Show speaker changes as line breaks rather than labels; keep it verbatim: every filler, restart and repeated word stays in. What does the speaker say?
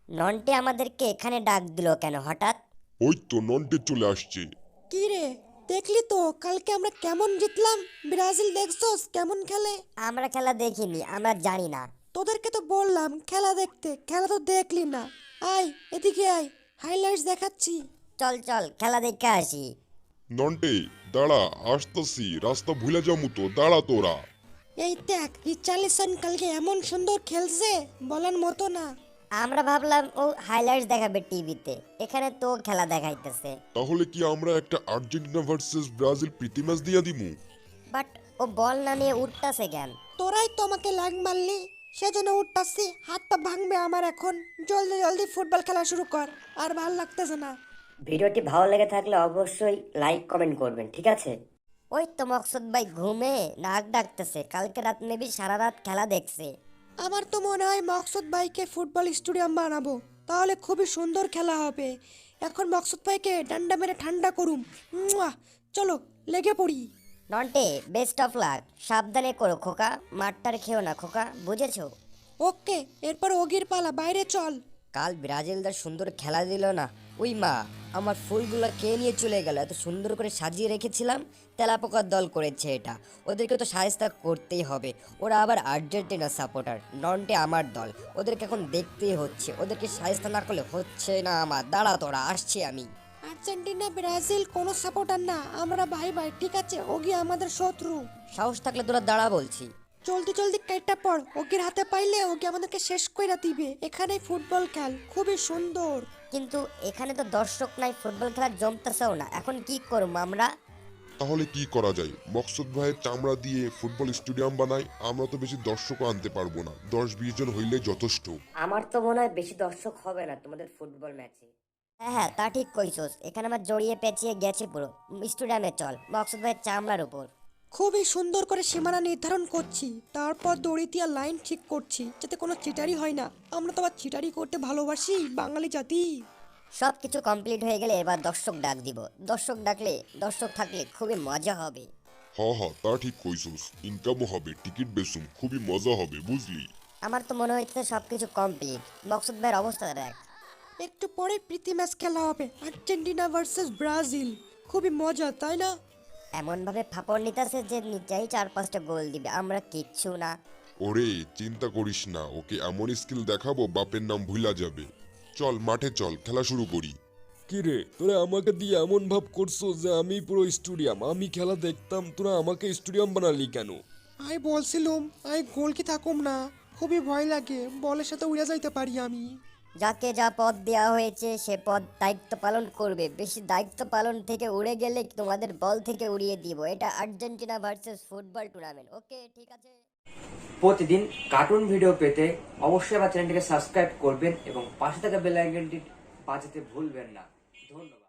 নন্টে আমাদেরকে এখানে ডাক দিল কেন হঠাৎ?
ওই তো নন্টে চলে আসছে।
কি রে, দেখলি তো কালকে আমরা কেমন জিতলাম? ব্রাজিল দেখছস কেমন খেলে?
আমরা খেলা দেখিনি, আমরা জানি না।
তোদেরকে তো বললাম খেলা দেখতে, খেলা তো দেখলি না। আয় এদিকে আয়, হাইলাইটস দেখাচ্ছি।
চল চল খেলা দেখে আসি।
নন্টে দাঁড়া, আসতেছি, রাস্তা ভুলে যাবো তো, দাঁড়া তোরা।
এই দেখ, রিচার্লিসন কালকে এমন সুন্দর খেলছে, বলার মতো না।
আমরা ভাবলাম ও হাইলাইটস দেখাবে টিভিতে, এখানে তো খেলা দেখাইতেছে।
তাহলে কি আমরা একটা আর্জেন্টিনা ভার্সেস ব্রাজিল প্রীতি ম্যাচ দিয়া দিমু?
বাট ও বল না নিয়ে উঠতাছে কেন?
তোরাই তো আমাকে লাগ মারলি, সেজন্য উঠতাছি। হাত পা ভাঙবে আমার এখন। জলদি জলদি ফুটবল খেলা শুরু কর, আর ভাল লাগতেছে না।
ভিডিওটি ভালো লেগে থাকলে অবশ্যই লাইক কমেন্ট করবেন, ঠিক আছে? ওই তো মকসুদ ভাই ঘুমে নাক ডাকতেছে, কালকে রাত মেবি সারা রাত খেলা দেখছে।
আমার তো মনে হয় মকসুদ ভাইকে ফুটবল স্টেডিয়াম বানাবো, তাহলে খুবই সুন্দর খেলা হবে। এখন মকসুদ ভাইকে ডান্ডা মেরে ঠান্ডা করুম। মুয়া! চলো লেগে পড়ি।
নন্টে বেস্ট অফ লাক, সাবধানে করো খোকা, মাঠটার খেও না খোকা, বুঝেছো?
ওকে, এরপর ওগির পালা, বাইরে চল।
কাল ব্রাজিলদের সুন্দর খেলা দিল না? ওই মা, আমার ফুলগুলো কে নিয়ে চলে গেল? এত সুন্দর করে সাজিয়ে রেখেছিলাম, তেলাপোকার দল করেছে এটা। ওদেরকে তো সাহায্য করতেই হবে, ওরা আবার আর্জেন্টিনা সাপোর্টার, নন্টে আমার দল, ওদেরকে এখন দেখতেই হচ্ছে, ওদেরকে সাহায্য না করলে হচ্ছে না আমার। দাঁড়া তোরা, আসছি আমি।
আর্জেন্টিনা ব্রাজিল কোনো সাপোর্টার না, আমরা ভাই ভাই, ঠিক আছে? ওগি আমাদের শত্রু।
সাহস থাকলে তোরা দাঁড়া বলছি।
জলদি জলদি কেটে পড়, ওগির হাতে পাইলে ওকে আমাদেরকে শেষ কইরা দিবে। এখানেই ফুটবল খেল, খুবই সুন্দর।
কিন্তু এখানে তো দর্শক নাই, ফুটবল খেলা জমতেছেও না, এখন কি করবো আমরা?
তাহলে কি করা যায়? মকসুদ ভাইয়ের চামড়া দিয়ে ফুটবল স্টেডিয়াম বানাই, আমরা তো বেশি দর্শকও আনতে পারবো না, দশ বিশ জন হইলে যথেষ্ট।
আমার তো মনে হয় বেশি দর্শক হবে না তোমাদের ফুটবল ম্যাচে। হ্যাঁ হ্যাঁ, তা ঠিক কইছস, এখানে আমার জড়িয়ে পেঁচিয়ে গেছে পুরো। স্টেডিয়ামে চল, মকসুদ ভাইয়ের চামড়ার উপর।
খুবই সুন্দর করে সীমানা নির্ধারণ করছি, তারপর দড়ি দিয়ে লাইন ঠিক করছি, যাতে কোনো চিটারি হয় না। আমরা তো আবার চিটারি করতে ভালোবাসি, বাঙালি জাতি।
সব কিছু কমপ্লিট হয়ে গেলে এবার দর্শক ডাক দিব। দর্শক ডাকলে, দর্শক থাকলে খুবই মজা হবে।
হ হ, তা ঠিক কইছস, ইনকামও হবে, টিকিট বেচুম, খুবই মজা হবে, বুঝলি?
আমার তো মনে হচ্ছে সব কিছু কমপ্লিট। মকসুদ ভাইয়ের অবস্থা দেখ।
একটু পরে প্রীতি ম্যাচ খেলা হবে, আর্জেন্টিনা ভার্সেস ব্রাজিল। খুবই মজা, তাই না?
এমন ভাবে ফাপড় নিতেছে যে নিচেই চার পাঁচটা গোল দিবে, আমরা কিচ্ছু না।
ওরে চিন্তা করিস না, ওকে এমন স্কিল দেখাবো বাপের নাম ভুলা যাবে। চল মাঠে চল, খেলা শুরু করি।
কিরে, তোরা আমাকে দিয়ে এমন ভাব করছো যে আমি পুরো স্টেডিয়াম, আমি খেলা দেখতাম, তোরা আমাকে স্টেডিয়াম বানালি কেন?
আই বলছিলুম, আই গোল কি থাকুম না, খুবই ভয় লাগে, বলের সাথে উড়ে যাইতে পারি আমি।
যাকে যা পদ দেওয়া হয়েছে সে পদ দায়িত্ব পালন করবে। বেশি দায়িত্ব পালন থেকে উড়ে গেলে তোমাদের বল থেকে উড়িয়ে দিব। এটা Argentina versus football tournament, okay ঠিক আছে?
প্রতিদিন কার্টুন ভিডিও পেতে অবশ্যই আমার চ্যানেলটিকে সাবস্ক্রাইব করবেন এবং পাশে থাকা বেল আইকনটি বাজাতে ভুলবেন না। ধন্যবাদ।